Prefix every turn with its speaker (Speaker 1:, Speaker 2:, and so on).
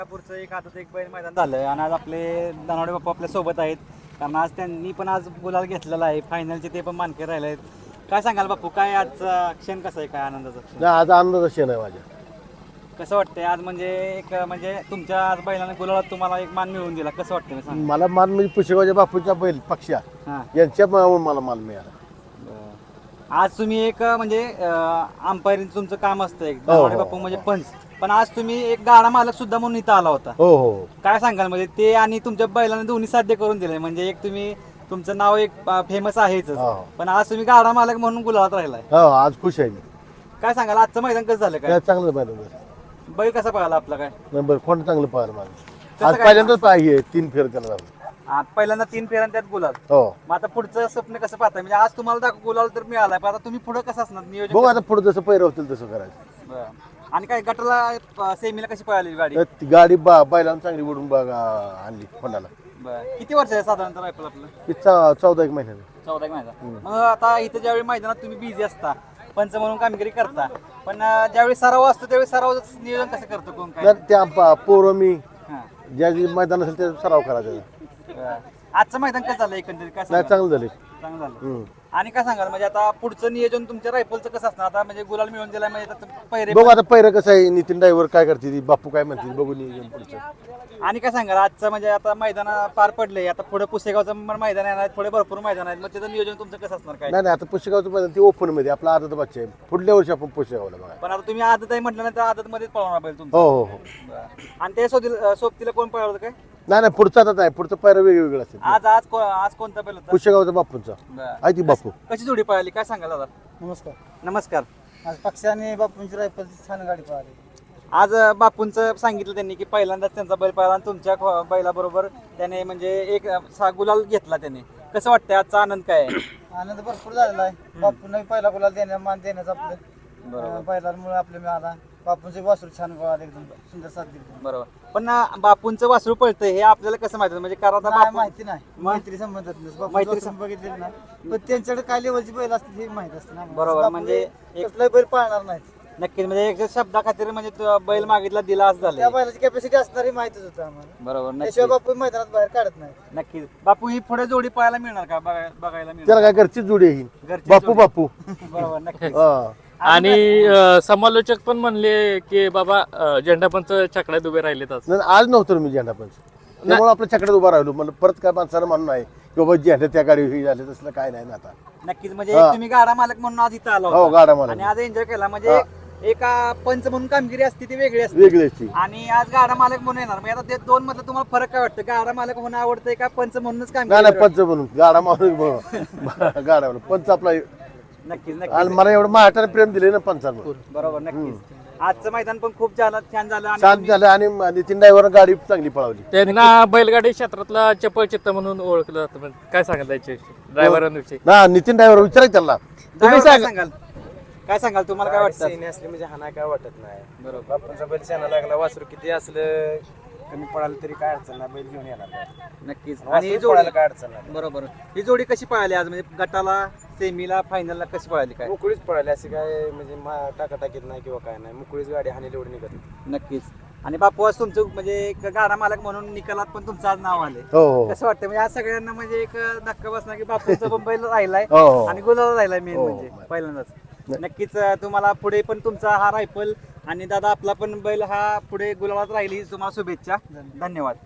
Speaker 1: पुढचं एक आता एक बैल मैदान झालं आणि आज आपले दानवडे बाप्पा आपल्या सोबत आहेत. कारण आज त्यांनी पण आज गुलाल घेतलेला आहे. फायनलचे ते पण मानकरी राहिले आहेत. काय सांगाल बापू, काय आजचा क्षण कसा आहे, काय आनंदाचा क्षण?
Speaker 2: नाही आज आनंदाचा क्षण आहे माझ्या.
Speaker 1: कसं वाटतंय आज, म्हणजे एक म्हणजे तुमच्या आज बैलाने गुलालात तुम्हाला एक मान मिळवून दिला, कसं वाटतं मी सांग?
Speaker 2: मला मान म्हणजे पुशेगावच्या बापूच्या बैल पक्षा
Speaker 1: हां,
Speaker 2: यांच्या मला मान मिळाला.
Speaker 1: आज तुम्ही एक म्हणजे अंपायरिंग तुमचं काम असतं एक
Speaker 2: हो,
Speaker 1: दानवडे
Speaker 2: हो,
Speaker 1: बापू म्हणजे पंच, पण आज तुम्ही एक गाडा मालक सुद्धा म्हणून इथं आला होता.
Speaker 2: हो हो
Speaker 1: काय सांगाल, म्हणजे ते आणि तुमच्या बैलाने दोन्ही साध्य करून दिले, म्हणजे एक तुम्ही तुमचं नाव एक फेमस आहेच,
Speaker 2: हो.
Speaker 1: पण आज तुम्ही गाडा मालक म्हणून गुलाबात राहिलाय.
Speaker 2: हो आज खुश आहे मी.
Speaker 1: काय सांगाल आजचं मैदान कसं झालं, काय
Speaker 2: काय चांगलं पाहिलं
Speaker 1: बैल कसा पळाला आपला, काय
Speaker 2: नंबर कोण चांगलं पाहिलं माझं.
Speaker 1: कसं
Speaker 2: आज
Speaker 1: काय?
Speaker 2: पहिल्यांदाच पाहिजे 3 फेर त्याला झालं.
Speaker 1: पहिल्यांदा 3 फेऱ्या त्यात गुलाल.
Speaker 2: हो
Speaker 1: मग आता पुढचं स्वप्न कसं पाहताय, म्हणजे आज तुम्हाला गुलाल तर मिळालाय, पण आता तुम्ही पुढे कसं असणार नियोजन
Speaker 2: बघू
Speaker 1: कसं?
Speaker 2: आता पुढे जसं पैर होतील तसं करायचं.
Speaker 1: बरं. आणि काय गटाला सेमीला कशी पळाली गाडी?
Speaker 2: तर ती गाडी बैलांना चांगली उडून बघा आणली कोणाला.
Speaker 1: बरं. किती वर्ष आहे साधारणतः रायफल आपलं?
Speaker 2: ती 14 एक महिन्याने.
Speaker 1: 14 एक महिना. मग आता इथं ज्यावेळी मैदानात तुम्ही बिझी असता, पंच म्हणून कामगिरी करता, पण ज्यावेळी सराव असतो त्यावेळी सरावाचं नियोजन कसं करतो कोण, काय?
Speaker 2: तर त्या पोरं मी
Speaker 1: हां.
Speaker 2: ज्या जे मैदान असेल ते सराव करायचा.
Speaker 1: बरं. आजचं मैदान कसं झालं एकंदरीत, काय
Speaker 2: नाही
Speaker 1: सांगाल?
Speaker 2: चांगलं झाले.
Speaker 1: चांगलं झालं. आणि काय सांगाल, म्हणजे आता पुढचं नियोजन तुमच्या रायफलचं कसं असणार आता, म्हणजे गुलाल मिळून दिलाय म्हणजे आता पहिरे
Speaker 2: बघू आता पैर कसं आहे, नितीन ड्रायव्हर काय करते ती, बापू काय म्हणते बघू नियोजन पुढचं.
Speaker 1: आणि काय सांगाल आजचं, म्हणजे आता मैदान पार पडले, आता पुढे पुसेगावचं पण मैदान येणार आहेत, पुढे भरपूर मैदान आहेत, मग त्याचं नियोजन तुमचं कसं असणार, काय?
Speaker 2: नाही आता पुस्तकाचं मैदान ते ओपन मध्ये आपला आदत बच्चा आहे. पुढल्या वर्षी आपण पुस्तकावला बघा.
Speaker 1: पण आता तुम्ही आदत आहे म्हटल्यानंतर आदत मध्येच पळवणार पाहिजे तुमचं.
Speaker 2: हो हो हो
Speaker 1: आणि ते सोबतीला कोण पळवलं काय
Speaker 2: नाही नाही पुढचा आता नाही, पुढचं पैर वेगवेगळं असेल.
Speaker 1: आज कोणता बैल होता?
Speaker 2: पुस्तकावचा बापूंचा
Speaker 1: बरं.
Speaker 2: आहे ती बापू.
Speaker 1: कशी जोडी पळाली, काय सांगाल दादा?
Speaker 3: नमस्कार.
Speaker 1: नमस्कार.
Speaker 3: आज पक्षी आणि बापूंची रायफलची छान गाडी पळाली.
Speaker 1: आज बापूंचं सांगितलं त्यांनी की पहिल्यांदाच त्यांचा बैल पळाला आणि तुमच्या बैलाबरोबर त्याने म्हणजे एक गुलाल घेतला त्याने. कसं वाटतंय आजचा आनंद काय आहे?
Speaker 3: आनंद भरपूर झालेला आहे. बापूंना पहिला गुलाल मान देण्याचं आपलं बैलांमुळे आपलं मिळाला. बापूंचे वासरू छान पळाले, एकदम सुंदर साथ दिली.
Speaker 1: बरोबर. पण बापूंचं वासरू पळतंय हे आपल्याला कसं माहिती, म्हणजे कारण आता
Speaker 3: नाही,
Speaker 1: बापू-
Speaker 3: माहिती नाही, मैत्री संबंधात
Speaker 1: मैत्री
Speaker 3: मैत्री बघितलेली नाही, पण त्यांच्याकडे काय लेवलची बैल असते हे माहित असते ना.
Speaker 1: बरोबर,
Speaker 3: बापू
Speaker 1: म्हणजे एक-
Speaker 3: कसलाही बैल पाळणार नाही.
Speaker 1: नक्कीच, म्हणजे एक शब्दा खातीर म्हणजे तो बैल मागितला दिला असं
Speaker 3: त्या
Speaker 1: झालं.
Speaker 3: बैलाची कॅपॅसिटी असणारी माहितच होतं आम्हाला.
Speaker 1: बरोबर.
Speaker 3: त्याशिवाय
Speaker 1: नक्की
Speaker 3: बापू मैदानात बाहेर काढत नाही.
Speaker 1: नक्कीच. बापू ही पुढे जोडी पाहायला मिळणार का, बघायला मिळणार?
Speaker 2: त्याला काय घरचीच जोडी आहे ही.
Speaker 1: घरची
Speaker 2: बापू
Speaker 1: जोडी.
Speaker 2: बापू
Speaker 1: बरोबर. नक्कीच.
Speaker 2: हा.
Speaker 4: आणि समालोचक पण म्हणले की बाबा झेंडापंच छकड्यात उभे राहिलेत आज.
Speaker 2: नाही, आज नव्हतं मी झेंडा पंच, त्यामुळे आपल्या चकड्यात उभा राहिलो. मला परत काय माणसाला म्हणून नाही की बाबा झेंडा त्या गाडी हे झाले तसलं काय नाही ना आता.
Speaker 1: नक्कीच, म्हणजे एक तुम्ही गाडा मालक म्हणून आज इथं आला
Speaker 2: हो
Speaker 1: होता
Speaker 2: गाडा मला
Speaker 1: आणि आज एन्जॉय केला. म्हणजे एका पंच म्हणून कामगिरी असते ती वेगळी असते
Speaker 2: वेगळी असते.
Speaker 1: आणि आज गाडा मालक म्हणून येणार. म्हणजे आता ते दोन मधलं तुम्हाला फरक काय वाटतं, गाडा मालक होणं आवडतंय का पंच म्हणूनच
Speaker 2: नाही नाही
Speaker 1: कामगिरी?
Speaker 2: पंच म्हणून गाडा मारून गाडा म्हणून पंच आपला.
Speaker 1: नक्कीच
Speaker 2: आणि
Speaker 1: नक्कीच.
Speaker 2: मला एवढं महाटाने प्रेम दिले ना पंचांवर.
Speaker 1: बरोबर. नक्कीच. आजचं मैदान पण खूप छान झालं आणि
Speaker 2: शांत झालं आणि नितीन ड्रायव्हर गाडी चांगली पळवली.
Speaker 4: त्यांना बैलगाडी क्षेत्रातला चपळ चित्त म्हणून ओळखलं जातं. पण काय सांगाल त्याच्याविषयी, ड्रायव्हरांविषयी?
Speaker 2: ना नितीन ड्रायव्हर विचारा की त्याला.
Speaker 1: तुम्ही काय सांगाल, काय सांगाल, तुम्हाला काय वाटतं?
Speaker 5: सेने असले म्हणजे हाना काय वाटत नाही. बरोबर. बापूंचा बैल शेणा लागला, वासरू किती असलं कमी पडालं तरी काय अडचण नाही, बैल घेऊन येणार.
Speaker 1: नक्कीच. आणि
Speaker 5: आणि
Speaker 1: ही
Speaker 5: पडायला
Speaker 1: जोडी
Speaker 5: काय अडचण नाही.
Speaker 1: बरोबर, ही जोडी कशी पळाली आज, म्हणजे गटाला सेमीला फायनलला कशी पळाली, काय?
Speaker 5: मोकळीच पडायली, अशी काय म्हणजे टाकाटाकीत नाही किंवा काय नाही, मोकळीच गाडी हानी एवढी निघत.
Speaker 1: नक्कीच. आणि बापू आज तुमचं म्हणजे एक गाडा मालक म्हणून निकालात पण तुमचं आज नाव आले.
Speaker 2: हो हो
Speaker 1: कसं वाटतं, म्हणजे आज सगळ्यांना म्हणजे एक धक्का बसणार की बापूंचा पण बैल राहिलाय
Speaker 2: हो, हो.
Speaker 1: आणि गुलाला राहिलाय मेन
Speaker 2: हो,
Speaker 1: म्हणजे
Speaker 2: हो.
Speaker 1: पहिल्यांदाच. नक्कीच तुम्हाला पुढे पण तुमचा हा रायफल आणि दादा आपला पण बैल हा पुढे गुलालात राहील ही तुम्हाला शुभेच्छा. धन्यवाद.